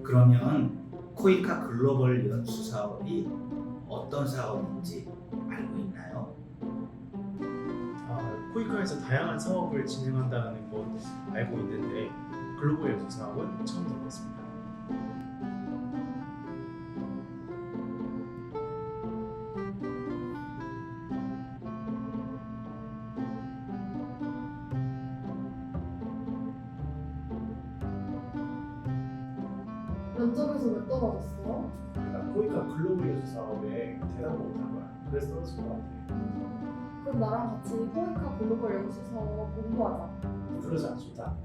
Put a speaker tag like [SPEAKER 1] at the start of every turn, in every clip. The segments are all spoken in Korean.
[SPEAKER 1] 그러면 코이카 글로벌 연수 사업이 어떤 사업인지 알고 있나요?
[SPEAKER 2] 코이카에서 다양한 사업을 진행한다는 건 알고 있는데 글로벌 연수 사업은 처음 들어봤습니다.
[SPEAKER 3] 면접에서 왜 떨어졌어?
[SPEAKER 2] 나 코이카 글로벌 연수 사업에 대답을 못한 거야. 그래서 떨어진 것 같아.
[SPEAKER 3] 그럼 나랑 같이 코이카 글로벌 연수 사업 공부하자.
[SPEAKER 2] 그러자, 좋다.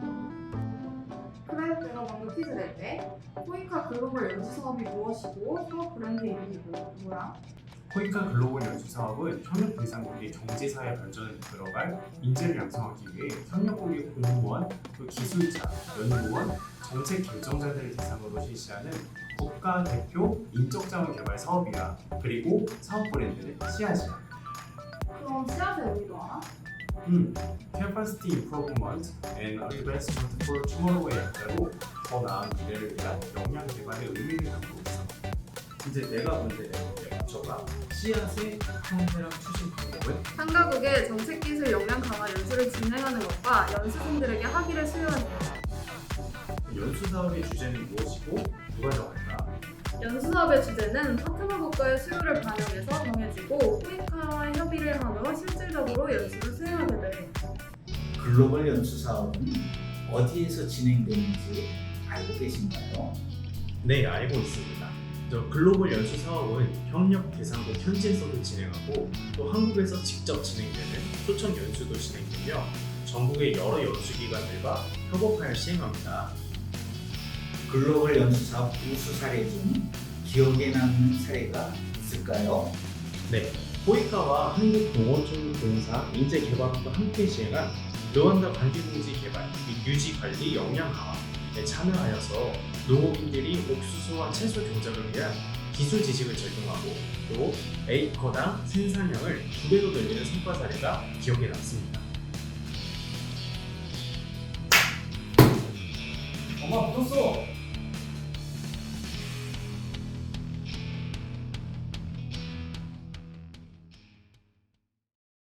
[SPEAKER 3] 그래, 내가 먼저 퀴즈 낼게. 코이카 글로벌 연수 사업이 무엇이고 사업 브랜드 이름이 뭐야?
[SPEAKER 2] 코이카 글로벌 연수 사업은 협력 대상국의 경제사회 발전에 이끌어갈 인재를 양성하기 위해 협력국의 공무원, 또 기술자, 연구원, 정책 결정자들을 대상으로 실시하는 국가 대표 인적자원 개발 사업이야. 그리고 사업 브랜드는 씨앗이야.
[SPEAKER 3] 그럼 씨앗의 의미도 알아?
[SPEAKER 2] Capacity Improvement and Investment for Tomorrow의 약자로 더 나은 미래를 위한 역량 개발의 의미를 담고 있어. 이제 내가 문제 내볼게. 맞춰봐. 씨앗의 형태랑 추진 방법은?
[SPEAKER 3] 한가국의 정책기술 역량 강화 연수를 진행하는 것과 연수생들에게 학위를 수여하는 것.
[SPEAKER 2] 연수 사업의 주제는 무엇이고 누가 정할까?
[SPEAKER 3] 연수 사업의 주제는 파트너 국가의 수요를 반영해서 정해지고 코이카와 협의를 하며 실질적으로 연수를 수행하게 돼.
[SPEAKER 1] 글로벌 연수 사업은 어디에서 진행되는지 알고 계신가요?
[SPEAKER 2] 네, 알고 있습니다. 저 글로벌 연수 사업은 협력 대상국 현지에서도 진행하고 또 한국에서 직접 진행되는 초청 연수도 진행되며 전국의 여러 연수기관들과 협업하여 시행합니다.
[SPEAKER 1] 글로벌 연수 사업 우수 사례 중 기억에 남는 사례가 있을까요?
[SPEAKER 2] 네, 코이카와 한국농어촌공사 인재개발국과 함께 시행한 르완다 관계공지 개발 및 유지 관리 역량 강화에 참여하여서 농업인들이 옥수수와 채소 경작을 위한 기술 지식을 적용하고 또 에이커당 생산량을 2배로 늘리는 성과 사례가 기억에 남습니다.
[SPEAKER 1] 엄마 붙었어!